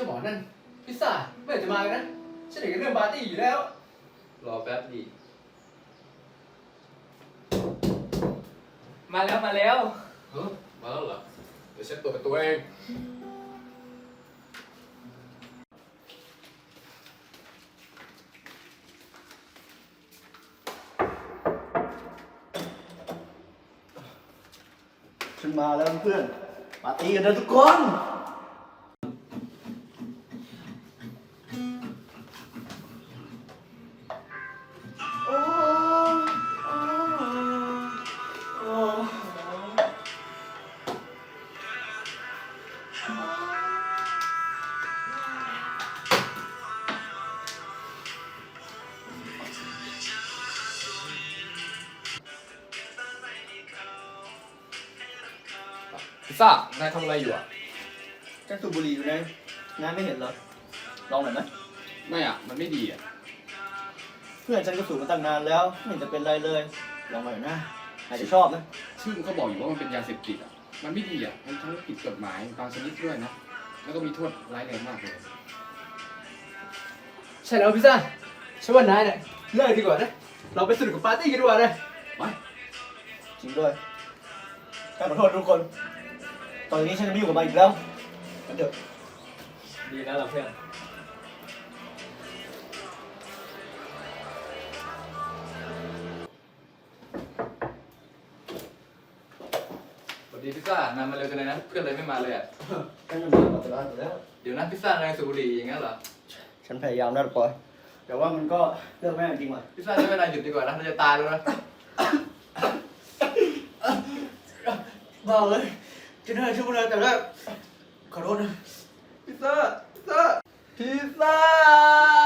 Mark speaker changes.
Speaker 1: หมอนั่นพิซซ่าเมื่อจะมากันนะฉันเห็นเรื่องปาร์ตี้อยู่แล้ว
Speaker 2: รอแป๊บดิ
Speaker 3: มาแล้วมาแล้ว
Speaker 1: เฮ้ยมาแล้วเหรอเดี๋ยวฉันเปิดประตูเอง
Speaker 4: ฉันมาแล้วเพื่อนปาร์ตี้กันนะทุกคน
Speaker 2: พิซซ่านายทำอะไรอยู่อ่ะ
Speaker 4: ฉันสูบบุหรี่อยู่ไงนายไม่เห็นเหรอลองหน่อยไหม
Speaker 2: ไม่อ่ะมันไม่ดีอ่ะ
Speaker 4: เพื่อนฉันก็สูบมาตั้งนานแล้วไม่เห็นจะเป็นไรเลยลองหน่อยนะอาจจะชอบนะ
Speaker 2: ซึ่งเขาบอกอยู่ว่ามันเป็นยาเสพติดอ่ะมันไม่ดีอ่ะมันทั้งผิดกฎหมายบางชนิดด้วยนะแล้วก็มีโทษร้ายแรงมากเลย
Speaker 1: ใช่แล้วพิซซ่าฉันว่านายเนี่ยเลิกดีกว่านะเราไปสนุกกับปาร์ตี้กันดีกว่าเลย
Speaker 2: ไป
Speaker 4: จริงด้วยฉันขอโทษทุกคนตอนนี้ฉันจะไม่อยู่กับมันอีกแล้วกันเถอะ
Speaker 3: ดีแล้วล่ะเพื่อน
Speaker 2: สวัสดีพิซซ่านายมาเร็วจังเลยนะเพื่อนเลยไม่มาเลยอ่ะ
Speaker 4: ฉันจะมาหมดเวลาอยู่แล้ว
Speaker 2: เดี๋ยวนะพิซซ่านายสูบบุหรี่อย่างงั้นเหรอ
Speaker 4: ฉันพยายามนะปอยแต่ว่ามันก็เลือกไม่ได้จริงว่ะ
Speaker 2: พิซซ่าจะไม่นายหยุดดีกว่านะเราจะตายแล้วนะ
Speaker 4: บ้าเลยจะน่าช่วยนะแต่ว่าขอโทษนะพิซซ่าพิซซ่า